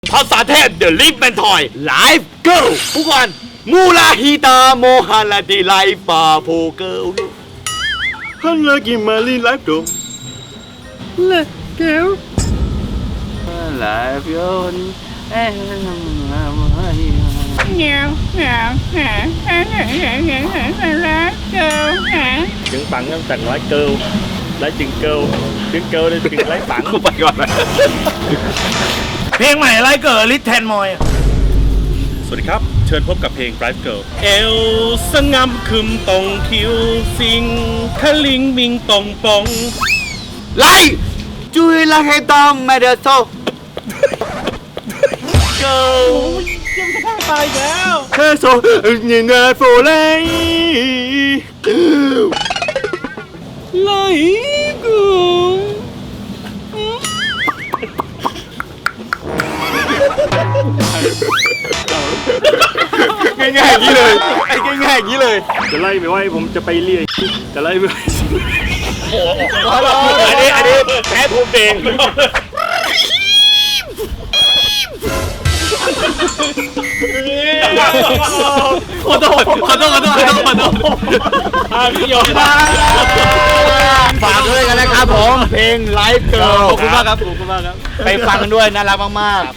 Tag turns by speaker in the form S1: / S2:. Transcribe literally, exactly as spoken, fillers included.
S1: ภาษาเทพเดอะลิฟแมนทอยไลฟ์เกิลทุกวันมูลาฮิตาโมฮันลาดีไลฟ์ปาโพเกิลฮันลากิมาลีไลฟ์โดเลเกิลไลฟ์โยนเอ้ย
S2: เงี้ยวเงี้ยวเงี้ยวเงี้ยวเงี้ยวเงี้ยวเงี้ยวเงี้ยวเงี้ยวเงี้ยว
S3: trứng bắn em tặng nói cừu lấy trứng cừu trứng cừu đi trứng lấy bắn
S1: กูไปก่อนเลย
S4: เพลงใหม่ไลฟ์เกิร์ลลิทแทนมอย
S3: สวัสดีครับเชิญพบกับเพลง Drive Girl เอวสงำคึมตรงคิวสิงทะลิงมิงตรงปอง
S1: ไลฟ์จุยลาเฮตอมมาเดโซเกิล
S3: ตายแล้ว
S1: เฮโซยินเนอร์โฟไลไลกูง่ายๆอย่างนี้เลยไอ้ง่ายๆอย่างนี้เลย
S3: จะไล่ไปไว้ผมจะไปเรียกจะไล่ไปไว้
S1: อันนี้อันนี้แพ้ภูมิเอง ขอโทษขอโทษขอโทษขอโทษขอโทษ
S3: อาพี่ยอม
S1: ฝากด้วยกันนะครับผมเพลงไลฟ์เกิร์ลขอบคุณมากครับ
S3: ขอบคุณมากครับ
S1: ไปฟังกันด้วยน่ารักมาก